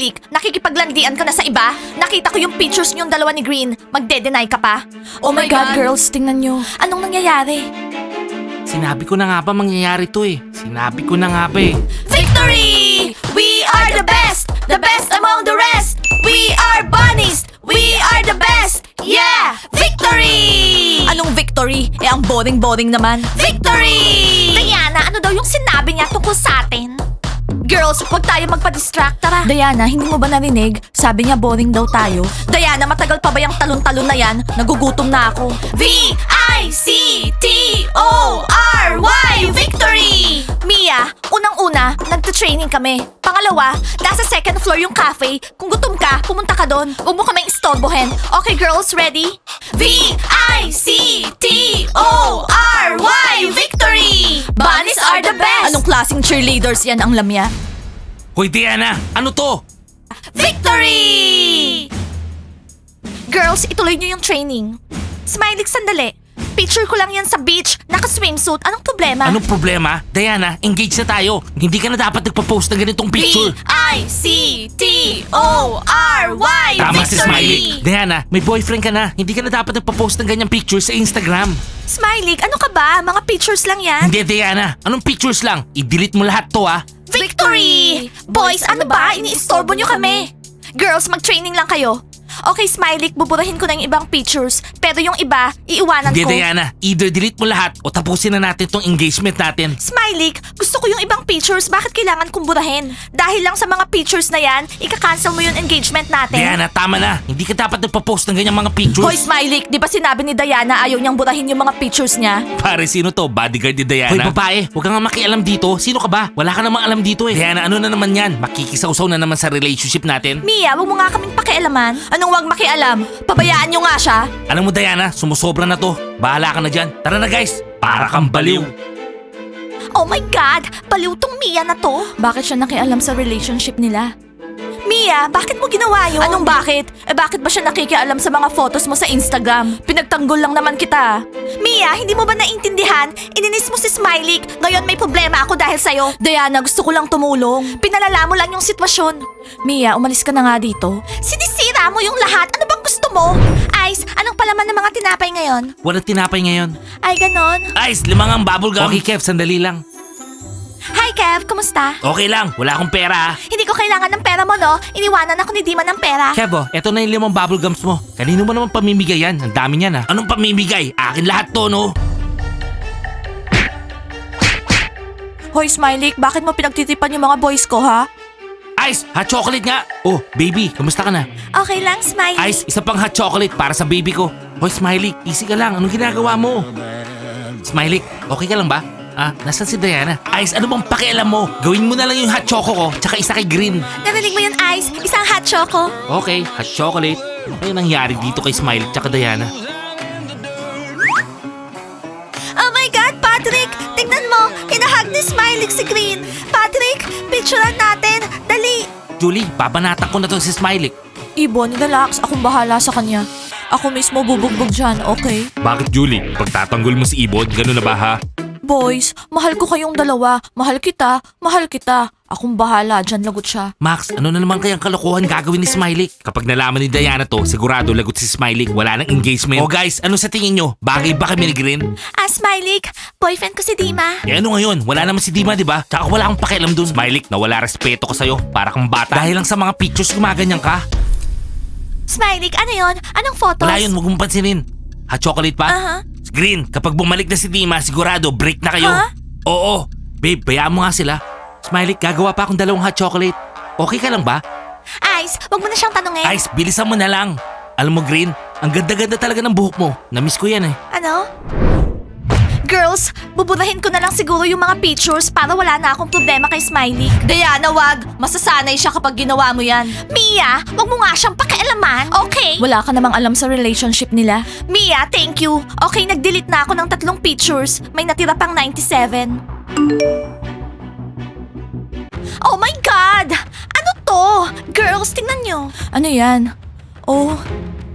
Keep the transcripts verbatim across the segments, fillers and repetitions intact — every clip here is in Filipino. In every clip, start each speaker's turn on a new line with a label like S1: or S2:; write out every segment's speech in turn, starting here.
S1: Smiley, nakikipaglandian ka na sa iba? Nakita ko yung pictures niyong dalawa ni Green. Magde-deny ka pa? Oh, my God, girls, tingnan niyo. Anong nangyayari?
S2: Sinabi ko na nga ba mangyayari to eh. Sinabi ko na nga ba eh.
S1: Victory! We are the best! The best among the rest! We are bunnies! We are the best! Yeah! Victory! Anong victory? Eh, ang boring-boring naman. Victory! Diana, ano daw yung sinabi niya tungkol sa atin? Girls, huwag tayo magpa-distract, tara. Diana, hindi mo ba narinig? Sabi niya boring daw tayo. Diana, matagal pa ba yung talon-talon na yan? Nagugutom na ako. V I C T O R Y! Victory! Mia, unang-una, nagta-training kami. Pangalawa, nasa second floor yung cafe. Kung gutom ka, pumunta ka doon. Huwag mo kaming istorbohin. Okay, girls, ready? V I C T O R Y! Victory! Bunnies are the best! Anong klaseng cheerleaders yan ang lamya?
S2: Hoy Diana, ano to?
S1: Victory! Girls, ituloy niyo yung training. Smiley, sandali. Picture ko lang yan sa beach, naka-swimsuit. Anong problema?
S2: Anong problema? Diana, engage na tayo. Hindi ka na dapat nagpa-post ng ganitong picture.
S1: V I C T O R Y!
S2: Tama
S1: Victory!
S2: si Smiley. Diana, may boyfriend ka na. Hindi ka na dapat nagpa-post ng ganyang picture sa Instagram.
S1: Smiley, ano ka ba? Mga pictures lang yan.
S2: Hindi Diana, anong pictures lang? I-delete mo lahat to ah.
S1: Victory! Boys, ano ba? Iniistorbo nyo kami. Girls, mag-training lang kayo. Okay, Smiley, buburahin ko na yung ibang pictures. Pero yung iba, iiwanan
S2: Hindi
S1: ko.
S2: Diana, either delete mo lahat o tapusin na natin tong engagement natin.
S1: Smiley, gusto ko yung ibang pictures. Bakit kailangan kong burahin? Dahil lang sa mga pictures na yan, ika-cancel mo yung engagement natin.
S2: Diana, tama na. Hindi ka dapat nagpa-post ng ganyang mga pictures.
S1: Hoy, Smiley, di ba sinabi ni Diana ayaw niyang burahin yung mga pictures niya?
S2: Pare, sino to? Bodyguard ni Diana? Hoy, babae, huwag ka nga makialam dito. Sino ka ba? Wala ka namang alam dito eh. Diana, ano na naman yan? Makikisawsaw na naman sa relationship natin.
S1: Mia, wag mo nga kaming pakialaman. Anong wag makialam? Pabayaan niyo nga siya.
S2: Alam mo Diana, sumusobra na to. Bahala ka na dyan. Tara na guys, para kang baliw.
S1: Oh my God! Baliw tong Mia na to. Bakit siya nakialam sa relationship nila? Mia, bakit mo ginawa yun? Anong bakit? Eh bakit ba siya nakikialam sa mga photos mo sa Instagram? Pinagtanggol lang naman kita. Mia, hindi mo ba naintindihan? Ininis mo si Smiley. Ngayon may problema ako dahil sa'yo. Diana, gusto ko lang tumulong. Pinalala mo lang yung sitwasyon. Mia, umalis ka na nga dito. Sinisira mo yung lahat. Ano bang gusto mo? Ice, anong palaman ng mga tinapay ngayon?
S2: Walang tinapay ngayon.
S1: Ay, ganon.
S2: Ice, limang ang bubblegum. Okay Kev, sandali lang.
S1: Hi, Kev. Kumusta?
S2: Okay lang, wala akong pera ah.
S1: Hindi ko kailangan ng pera mo, no? Iniwanan ako ni Dima ng pera.
S2: Kev, oh, eto na yung limang bubblegums mo. Kanino mo naman pamimigay yan? Ang dami niyan ah. Anong pamimigay? Akin lahat to, no?
S1: Hoy, Smiley, bakit mo pinagtitipan yung mga boys ko, ha?
S2: Ice, hot chocolate nga. Oh, baby, kamusta ka na?
S1: Okay lang, Smiley.
S2: Ice, isa pang hot chocolate para sa baby ko. Hoy, Smiley, easy ka lang. Anong ginagawa mo? Smiley, okay ka lang ba? Ah, nasan si Diana? Ice, ano bang pakialam mo? Gawin mo na lang yung hot choco ko, tsaka isa kay Green.
S1: Narinig mo yun, Ice? Isang hot choco.
S2: Okay, hot chocolate. Ano yung nangyari dito kay Smiley tsaka Diana?
S1: Oh my God, Patrick! Tingnan mo! Hinahag ni Smiley si Green. Patrick, picturean natin. Dali!
S2: Julie, babanatan ko na to si Smiley.
S1: Ibon, relax. Akong bahala sa kanya. Ako mismo bubugbog dyan, okay?
S2: Bakit Julie? Pagtatanggol mo si Ibon, gano'n na ba ha?
S1: Boys, mahal ko kayong dalawa. Mahal kita, mahal kita. Akong bahala, dyan lagot siya.
S2: Max, ano na naman kayang kalokohan gagawin ni Smiley? Kapag nalaman ni Diana to, sigurado lagot si Smiley. Wala nang engagement. Oh guys, ano sa tingin nyo? Bagay ba kami ni Green?
S1: Ah, Smiley, boyfriend ko si Dima.
S2: Eh ano ngayon? Wala naman si Dima, di ba? Tsaka wala akong pakialam dun. Smiley, nawala respeto ko sa'yo. Para kang bata. Dahil lang sa mga pictures gumaganyan ka.
S1: Smiley, ano yon? Anong photos?
S2: Wala yun, huwag mong pansinin. Hot chocolate pa?
S1: Aha.
S2: Green, kapag bumalik na si Dima, sigurado break na kayo.
S1: Ha?
S2: Oo. Babe, bayaan mo nga sila. Smiley, gagawa pa akong dalawang hot chocolate. Okay ka lang ba?
S1: Ice, wag mo na siyang tanungin.
S2: Ice, bilisan mo na lang. Alam mo, Green, ang ganda-ganda talaga ng buhok mo. Namiss ko yan eh.
S1: Ano? Girls, buburahin ko na lang siguro yung mga pictures para wala na akong problema kay Smiley. Diana, wag. Masasanay siya kapag ginawa mo yan. Mia, wag mo nga siyang pakialaman, okay? Wala ka namang alam sa relationship nila. Mia, thank you. Okay, nag-delete na ako ng tatlong pictures. May natira pang ninety-seven. Oh my God! Ano to? Girls, tingnan nyo. Ano yan? Oh,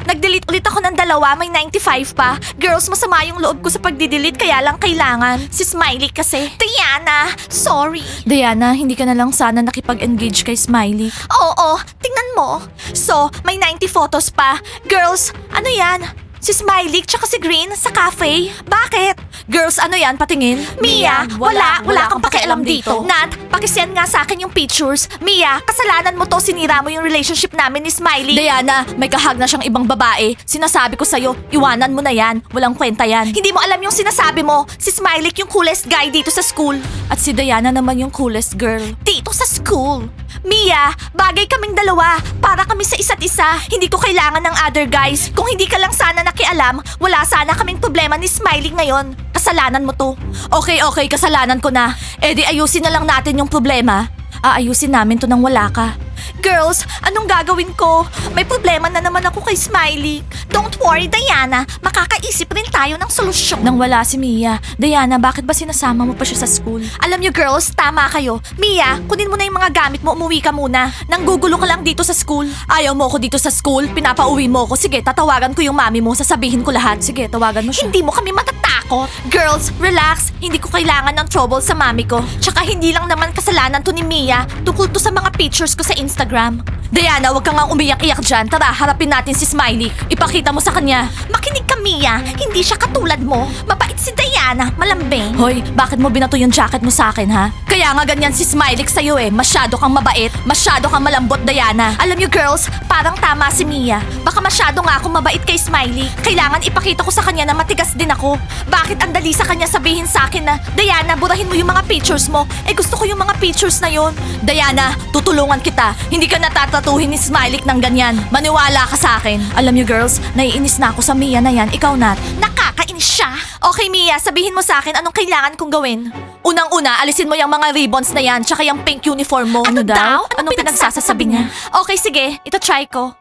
S1: Nag-delete ulit ako ng dalawa, may ninety-five pa. Girls, masama yung loob ko sa pagdidelete, kaya lang kailangan. Si Smiley kasi. Diana, sorry. Diana, hindi ka na lang sana nakipag-engage kay Smiley. Oo, tingnan mo. So, may ninety photos pa. Girls, ano yan? Si Smiley tsaka si Green sa cafe? Bakit? Girls, ano yan? Patingin? Mia, wala, wala kang pakialam dito. Nat, pakisend nga sa akin yung pictures. Mia, kasalanan mo to, sinira mo yung relationship namin ni Smiley. Diana, may kahag na siyang ibang babae. Sinasabi ko sa'yo, iwanan mo na yan. Walang kwenta yan. Hindi mo alam yung sinasabi mo. Si Smiley yung coolest guy dito sa school. At si Diana naman yung coolest girl. Dito sa school. Mia, bagay kaming dalawa. Para kami sa isa't isa. Hindi ko kailangan ng other guys. Kung hindi ka lang sana nakialam, wala sana kaming problema ni Smiley ngayon. Kasalanan mo to. Okay, okay, kasalanan ko na. Eh di ayusin na lang natin yung problema. Aayusin namin to nang wala ka. Girls, anong gagawin ko? May problema na naman ako kay Smiley. Don't worry, Diana. Makakaisip rin tayo ng solusyon. Nang wala si Mia. Diana, bakit ba sinasama mo pa siya sa school? Alam niyo girls, tama kayo. Mia, kunin mo na yung mga gamit mo, umuwi ka muna. Nanggugulo ka lang dito sa school. Ayaw mo ako dito sa school, pinapauwi mo ako. Sige, tatawagan ko yung mami mo, sasabihin ko lahat. Sige, tawagan mo siya. Hindi mo kami matatakot. Girls, relax. Hindi ko kailangan ng trouble sa mami ko. Tsaka hindi lang naman kasalanan to ni Mia. Tukol to sa mga pictures ko sa Instagram. Diana, wag kang nga umiyak-iyak dyan. Tara, harapin natin si Smiley. Ipakita mo sa kanya. Makinig ka, Mia. Hindi siya katulad mo. Mabait si Diana. Malambing. Hoy, bakit mo binato yung jacket mo sa akin, ha? Kaya nga ganyan si Smiley sa'yo eh. Masyado kang mabait. Masyado kang malambot, Diana. Alam niyo, girls, parang tama si Mia. Baka masyado nga akong mabait kay Smiley. Kailangan ipakita ko sa kanya na matigas din ako. Bakit ang dali sa kanya sabihin sa akin na, Diana, burahin mo yung mga pictures mo. Eh gusto ko yung mga pictures na yon. Diana, tutulungan kita. Hindi ka natatatuhin ni Smiley ng ganyan. Maniwala ka sa akin. Alam niyo girls, naiinis na ako sa Mia na yan. Ikaw, Nat. Nakakainis siya. Okay, Mia, sabihin mo sa akin anong kailangan kong gawin. Unang-una, alisin mo yung mga ribbons na yan tsaka yung pink uniform mo. Ano, daw? Anong, anong pinagsasasabi niya? Okay, sige. Ito try ko.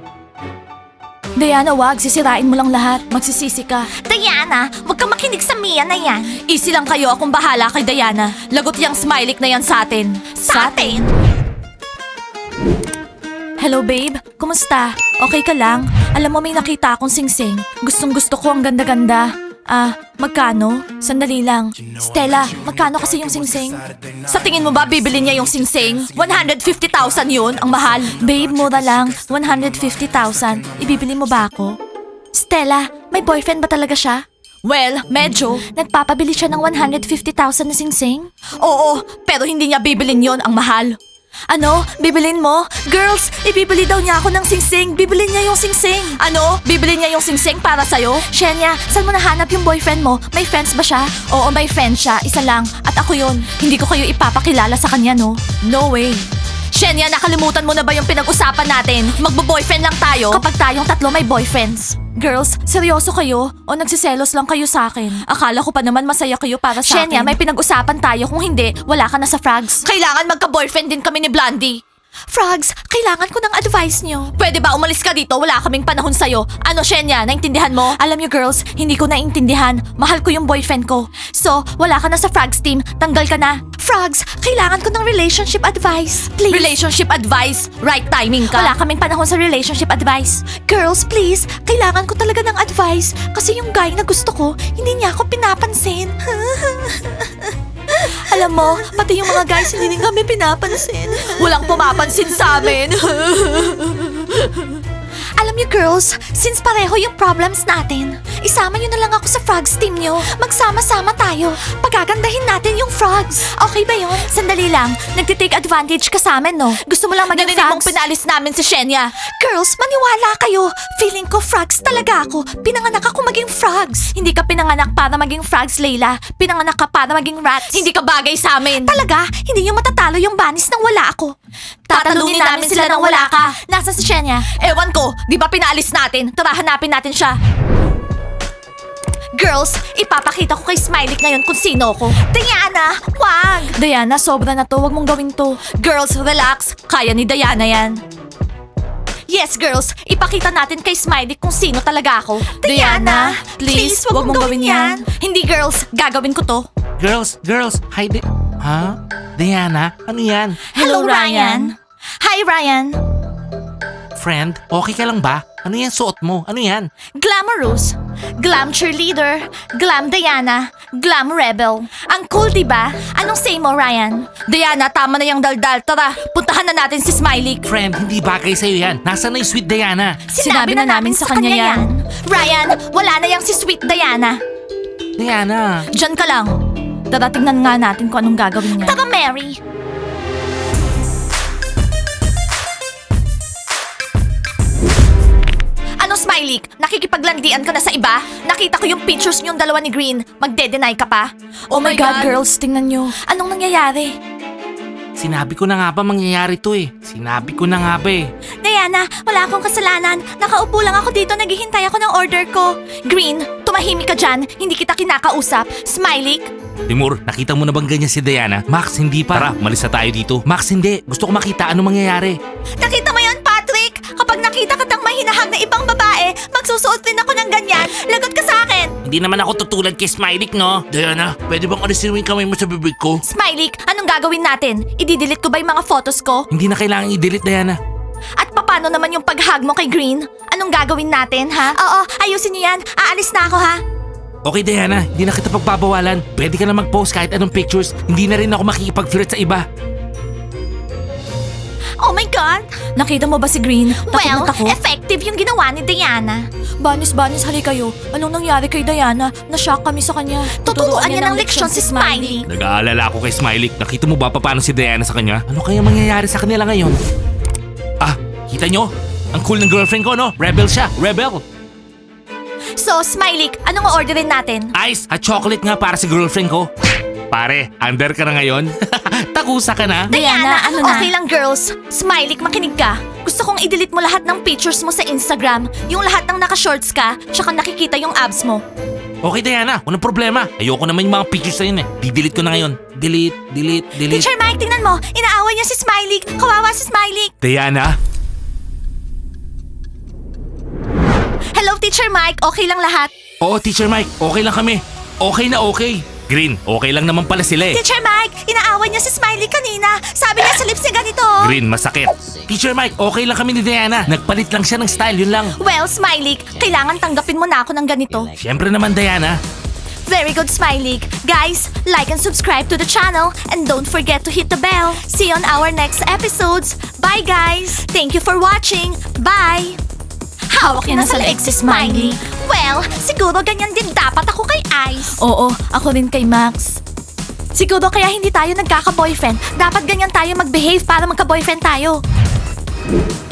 S1: Diana, wag. Sisirain mo lang lahat. Magsisisi ka. Diana, wag kang makinig sa Mia na yan. Easy lang kayo. Akong bahala kay Diana. Lagot yung Smiley na yan sa atin. Sa atin? Hello babe, kumusta? Okay ka lang? Alam mo may nakita akong singsing. Gustong gusto ko ang ganda-ganda. Ah, magkano? Sandali lang. Stella, magkano kasi yung singsing? Sa tingin mo ba bibili niya yung singsing? one hundred fifty thousand yun, ang mahal. Babe, mura lang. one hundred fifty thousand. Ibibili mo ba ako? Stella, may boyfriend ba talaga siya? Well, medyo. Nagpapabili siya ng one hundred fifty thousand na singsing? Oo, pero hindi niya bibilin yon, ang mahal. Ano? Bibilin mo? Girls, ibibili daw niya ako ng singsing. Bibilin niya yung singsing. Ano? Bibili niya yung singsing para sa'yo? Shenya, saan mo nahanap yung boyfriend mo? May friends ba siya? Oo, may friends siya. Isa lang. At ako yun. Hindi ko kayo ipapakilala sa kanya, no? No way. Shenya, nakalimutan mo na ba yung pinag-usapan natin? Magbo-boyfriend lang tayo kapag tayong tatlo may boyfriends. Girls, seryoso kayo? O nagsiselos lang kayo sa akin? Akala ko pa naman masaya kayo para sa akin. Shenya, may pinag-usapan tayo. Kung hindi, wala ka na sa Frogs. Kailangan magka-boyfriend din kami ni Blondie. Frogs, kailangan ko ng advice nyo. Pwede ba umalis ka dito? Wala kaming panahon sa'yo. Ano, Shenya? Naintindihan mo? Alam nyo, girls, hindi ko naintindihan. Mahal ko yung boyfriend ko. So, wala ka na sa Frogs team. Tanggal ka na. Frogs, kailangan ko ng relationship advice. Please. Relationship advice? Right timing ka. Wala kaming panahon sa relationship advice. Girls, please. Kailangan ko talaga ng advice. Kasi yung guy na gusto ko, hindi niya ako pinapansin. Alam mo, pati yung mga guys hindi din kami pinapansin. Walang pumapansin sa amin. Alam niyo girls, since pareho yung problems natin, isama niyo na lang ako sa Frogs team niyo. Magsama-sama tayo. Pagagandahin natin yung Frogs. Okay ba yun? Sandali lang, nagtitake advantage ka sa amin, no? Gusto mo lang maging Frogs? Narinig mong pinalis namin si Shenya. Girls, maniwala kayo. Feeling ko Frogs talaga ako. Pinanganak ako maging Frogs. Hindi ka pinanganak para maging Frogs, Layla. Pinanganak ka para maging Rats. Hindi ka bagay sa amin. Talaga? Hindi niyo matatalo yung banis nang wala ako. Tatalunin namin sila nang wala ka. Nasa si Shenya? Ewan ko. Di ba pinalis natin? Tara, hanapin natin siya. Girls, ipapakita ko kay Smiley ngayon kung sino ko. Diana, wag! Diana, sobra na to. Wag mong gawin to. Girls, relax. Kaya ni Diana yan. Yes, girls. Ipakita natin kay Smiley kung sino talaga ako. Diana, please, wag mong gawin yan. Hindi, girls. Gagawin ko to.
S2: Girls, girls, hi Di... Ha? Diana, ano yan?
S1: Hello, Ryan. Hi, Ryan.
S2: Friend, okay ka lang ba? Ano yan suot mo? Ano yan?
S1: Glamorous, glam cheerleader, glam Diana, glam rebel. Ang cool, di ba? Anong say mo, Ryan? Diana, tama na yung daldal. Tara, puntahan na natin si Smiley.
S2: Friend, hindi bagay sa'yo yan. Nasaan na yung sweet Diana?
S1: Sinabi, na, namin sa kanya yan. Ryan, wala na yang si Sweet Diana.
S2: Diana.
S1: Diyan ka lang. Tara, tingnan nga natin kung anong gagawin niya. Tara, Mary. Ano, Smiley? Nakikipaglandian ka na sa iba? Nakita ko yung pictures niyong dalawa ni Green. Magde-deny ka pa? Oh, my God, girls, tingnan niyo. Anong nangyayari?
S2: Sinabi ko na nga ba mangyayari to eh. Sinabi ko na nga ba eh.
S1: Diana, wala akong kasalanan. Nakaupo lang ako dito, naghihintay ako ng order ko. Green, tumahimik ka dyan. Hindi kita kinakausap. Smiley?
S2: Timur, nakita mo na bang ganyan si Diana? Max, hindi pa. Tara, malis na tayo dito. Max, hindi. Gusto ko makita ano mangyayari.
S1: Nakita mo yun, Patrick? Kapag nakita kitang mahinahag na ibang babae, magsusuot din ako ng ganyan. Lagot ka sa akin.
S2: Hindi naman ako tutulad kay Smiley, no? Diana, pwede bang alisin mo yung kamay mo sa bibig ko?
S1: Smiley, anong gagawin natin? Ididelete ko ba yung mga photos ko?
S2: Hindi na kailangan i-delete, Diana.
S1: At paano naman yung paghag mo kay Green? Anong gagawin natin, ha? Oo, ayusin niyo yan. Aalis na ako, ha?
S2: Okay, Diana, hindi na kita pagbabawalan. Pwede ka na mag-post kahit anong pictures. Hindi na rin ako makikipag-flirt sa iba.
S1: Oh my God! Nakita mo ba si Green? Well, effective yung ginawa ni Diana. Banis, banis, hali kayo. Anong nangyari kay Diana? Na-shock kami sa kanya. Tuturuan niya ng leksyon si Smiley.
S2: Nag-aalala ako kay Smiley. Nakita mo ba pa paano si Diana sa kanya? Ano kaya mangyayari sa kanila ngayon? Ah, kita nyo? Ang cool ng girlfriend ko, no? Rebel siya, rebel.
S1: So, Smiley, anong orderin natin?
S2: Ice at chocolate nga para sa girlfriend ko. Pare, under ka na ngayon? Takusa ka na?
S1: Diana, ano na? Okay lang, girls. Smiley, makinig ka. Gusto kong i-delete mo lahat ng pictures mo sa Instagram. Yung lahat ng naka-shorts ka, tsaka nakikita yung abs mo.
S2: Okay, Diana. Walang problema. Ayoko naman yung mga pictures na yun eh. Di-delete ko na ngayon. Delete, delete, delete.
S1: Teacher Mike, tingnan mo. Inaaway niya si Smiley. Kawawa si Smiley.
S2: Diana?
S1: Hello, Teacher Mike. Okay lang lahat?
S2: Oo, Teacher Mike. Okay lang kami. Okay na okay. Green, okay lang naman pala sila eh.
S1: Teacher Mike, inaaway niya si Smiley kanina. Sabi niya sa lips niya ganito.
S2: Green, masakit. Teacher Mike, okay lang kami ni Diana. Nagpalit lang siya ng style, yun lang.
S1: Well, Smiley, kailangan tanggapin mo na ako ng ganito.
S2: Siyempre naman, Diana.
S1: Very good, Smiley. Guys, like and subscribe to the channel and don't forget to hit the bell. See you on our next episodes. Bye, guys. Thank you for watching. Bye. Hawak niya na sa leeg si Smiley. Well, siguro ganyan din dapat ako kay Ice. Oo, ako rin kay Max. Siguro kaya hindi tayo nagkaka-boyfriend. Dapat ganyan tayo mag-behave para magka-boyfriend tayo.